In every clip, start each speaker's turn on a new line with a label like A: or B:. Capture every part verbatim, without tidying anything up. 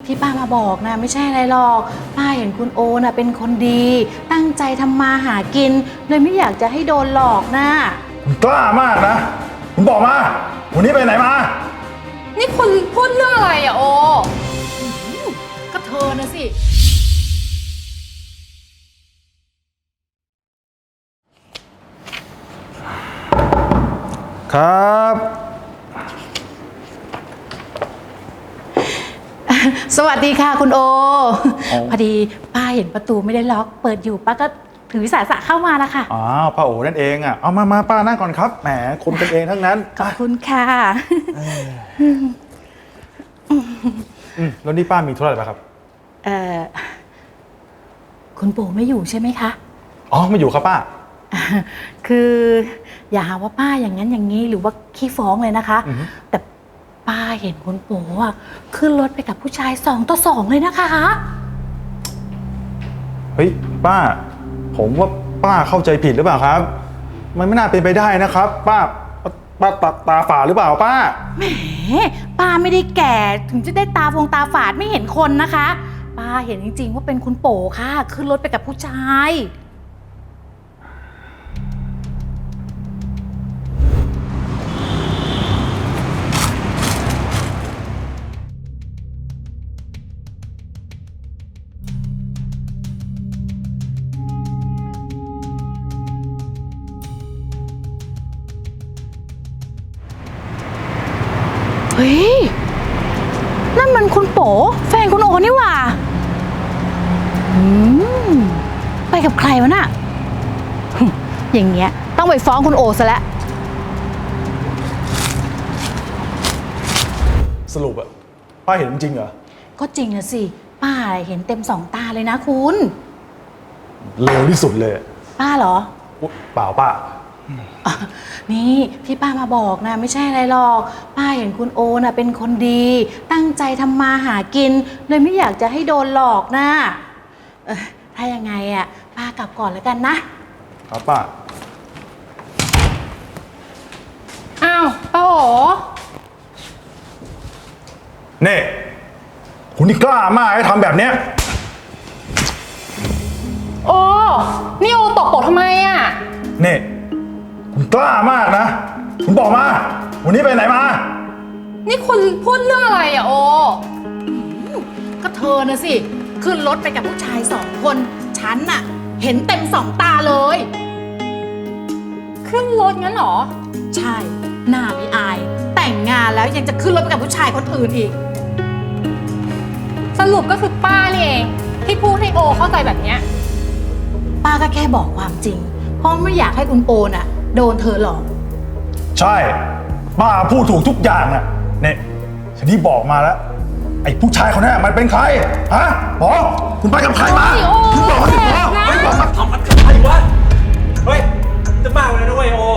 A: ที่ป้ามาบอกนะไม่ใช่อะไรหรอกป้าเห็นคุณโอน่ะเป็นคนดีตั้งใจทำมาหากินเลยไม่อยากจะให้โดนหลอกนะ
B: คุณกล้ามากนะคุณบอกมาวันนี้ไปไหนมา
C: นี่คุณพูดเรื่องอะไรอะโอ
A: ก็เธอนะสิ
B: ครับ
A: สวัสดีค่ะคุณโอพอดีป้าเห็นประตูไม่ได้ล็อกเปิดอยู่ป้าก็ถือวิสาสะเข้ามาแล้วค่ะ
B: อ๋อป้าโอนั่นเองอ่ะเอามามาป้านั่งก่อนครับแหมคนกันเองทั้งนั้น
A: ขอบคุณค่ะ
B: อืมแล้วนี่ป้ามีธุระอะไรครับ
A: เอ่อคุณปู่ไม่อยู่ใช่ไหมคะ
B: อ๋อไม่อยู่ครับป้า
A: คืออย่าหาว่าป้าอย่างนั้นอย่างนี้หรือว่าขี้ฟ้องเลยนะคะแต่ป้าเห็นคุณปู่อ่ะขึ้นรถไปกับผู้ชายสองต่อสองเลยนะคะ
B: เฮ้ยป้าผมว่าป้าเข้าใจผิดหรือเปล่าครับมันไม่น่าเป็นไปได้นะครับป้าป้าตาตาฝาดหรือเปล่าป้า
A: แหมป้าไม่ได้แก่ถึงจะได้ตาฟงตาฝาดไม่เห็นคนนะคะป้าเห็นจริงๆว่าเป็นคุณปู่ค่ะขึ้นรถไปกับผู้ชายเฮ้ยนั่นมันคุณโป๋แฟนคุณโอนี่หว่าอืมไปกับใครวะน่ะอย่างเงี้ยต้องไปฟ้องคุณโอซะแล้ว
B: สรุปอะป้าเห็นจริงเหรอ
A: ก็จริงนะสิป้าเห็นเต็มสองตาเลยนะคุณ
B: เลวที่สุดเลย
A: ป้าเหรอ
B: เปล่าป้า
A: นี่ที่ป้ามาบอกนะไม่ใช่อะไรหรอกป้าเห็นคุณโอน่ะเป็นคนดีตั้งใจทำมาหากินเลยไม่อยากจะให้โดนหลอกนะเออถ้ายังไงอ่ะป้ากลับก่อนแล้วกันนะครับ
B: ป้า
C: อ้าวป้าโอ
B: เน่คุณนี่กล้ามากให้ทำแบบเนี้ย
C: โอ้นี่โอตกโป๋ทำไมอ่ะ
B: เน่คุณกล้ามากนะคุณบอกมาวันนี้ไปไหนมา
C: นี่คุณพูดเรื่องอะไรอะโอ
A: ก็เธอนะสิขึ้นรถไปกับผู้ชายสองคนฉันน่ะเห็นเต็มสองตาเลย
C: ขึ้นรถงั้นเหรอ
A: ใช่หน้าไม่อายแต่งงานแล้วยังจะขึ้นรถไปกับผู้ชายคนอื่นอีก
C: สรุปก็คือป้านี่เองที่พูดให้โอเข้าใจแบบเนี้ย
A: ป้าก็แค่บอกความจริงเพราะไม่อยากให้คุณโอน่ะโดนเธอหลอก
B: ใช่ป้าพูดถูกทุกอย่างน่ะเนี่ยฉันนี่บอกมาแล้วไอ้ผู้ชายคนนั้นมันเป็นใครฮะบอกคุณไปกับใครมาคุณบอกให้บอกไม่บอกมาทำกับใครวะ
D: เฮ้ยจะมากเลยนะเว้ยโอ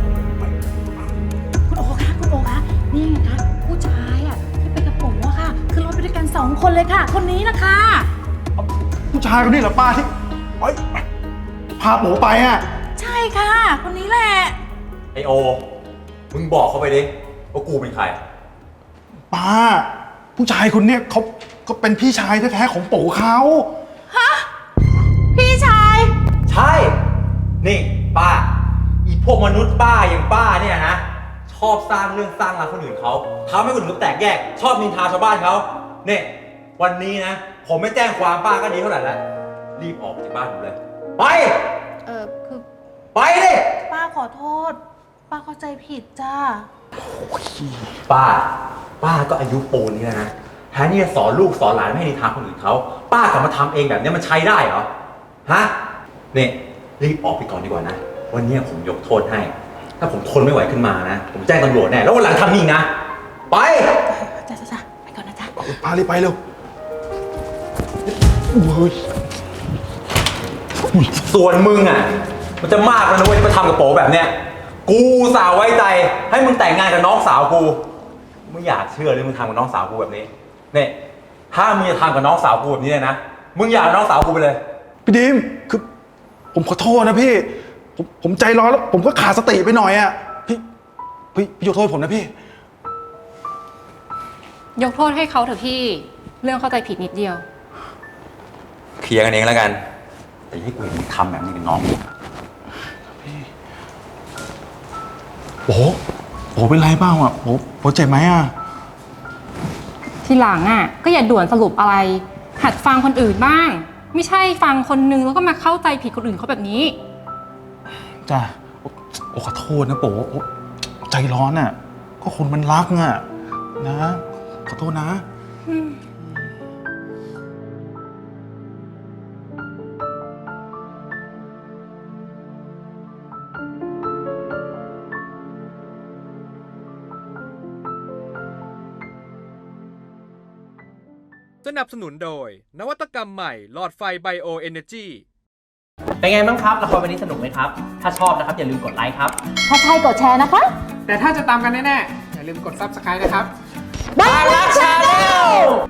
A: คุณโอคะคุณโอคะนี่ไงคะผู้ชายอ่ะที่ไปกับผมอะค่ะคือรถไปด้วยกันสองคนเลยค่ะคนนี้นะคะ
B: ผู้ชายคนนี้เหรอป้าที่เฮ้ยพาโป๋ไปอ่ะ
A: ใช่ค่ะคนนี้แหละ
D: ไอโอมึงบอกเขาไปดิว่ากูเป็นใคร
B: ป้าผู้ชายคนเนี้ยเขาก็เป็นพี่ชายแท้ๆของโป๋เขา
A: ฮะพี่ชาย
D: ใช่นี่ป้าอีพวกมนุษย์ป้าอย่างป้าเนี่ยนะชอบสร้างเรื่องสร้างราวคนอื่นเขาทำให้คนอื่นเขาแตกแยกชอบนินทาชาวบ้านเขาเนี่ยวันนี้นะผมไม่แจ้งความป้าก็ดีเท่าไหร่แล้วรีบออกจากบ้านผมเลยไป
A: เออคือ
D: ไปดิ
A: ป้าขอโทษป้าเข้าใจผิดจ้า
D: ป้าป้าก็อายุปูนนี้แล้วนะแทนที่จะสอนลูกสอนหลานไม่ให้นินทาคนอื่นเขาป้ากลับมาทำเองแบบนี้มันใช้ได้เหรอฮะเนี่ยรีบออกไปก่อนดีกว่านะวันนี้ผมยกโทษให้ถ้าผมทนไม่ไหวขึ้นมานะผมแจ้งตำรวจแน่แล้ววันหลังทำนี่นะไป
A: จ้าจ้าไปก่อนนะจ้า
B: ป้ารีบไปเร็ว
D: ส่วนมึงอ่ะมันจะมากแล้วนะเว้ยที่มาทำกับโป๋แบบเนี้ยกูสาวไว้ใจให้มึงแต่งงานกับน้องสาวกูไม่อยากเชื่อเลยมึงทำกับน้องสาวกูแบบนี้เนี่ยถ้ามึงจะทำกับน้องสาวกูแบบนี้นะมึงอยากน้องสาวกูไปเลย
B: พี่ดิมคือผมขอโทษนะพี่ผมผมใจร้อนแล้วผมก็ขาดสติไปหน่อยอ่ะพี่พี่พี่ยกโทษผมนะพี่
C: ยกโทษให้เขาเถอะพี่เรื่องเข้าใจผิดนิดเดียว
D: เคลียร์กันเองแล้วกัน แต่อย่าให้กูเห็นมึงทำแบบนี้กับน้อง
B: โอ้โหเป็นไรเปล่าอ่ะโอ้โหเจ็บไหมอ่ะ
C: ทีหลังอ่ะก็อย่าด่วนสรุปอะไร หัดฟังคนอื่นบ้าง ไม่ใช่ฟังคนนึงแล้วก็มาเข้าใจผิดคนอื่นเขาแบบนี้
B: จ้ะโอ้ขอโทษนะโป๋โอ้ใจร้อนอ่ะ ก็คนมันรักอ่ะ นะ ขอโทษนะ
E: สนับสนุนโดยนวัตกรรมใหม่หลอดไฟไบโอเอเนจี
F: เป็นไงบ้างครับละครวันนี้สนุกไหมครับ ถ้าชอบนะครับอย่าลืมกดไลค์ครับ
A: ถ้าใช่กดแชร์นะคะ
G: แต่ถ้าจะตามกันแน่ๆ อย่าลืมกด ซับสไครบ์ นะครับ
A: บ้านรักชาแนล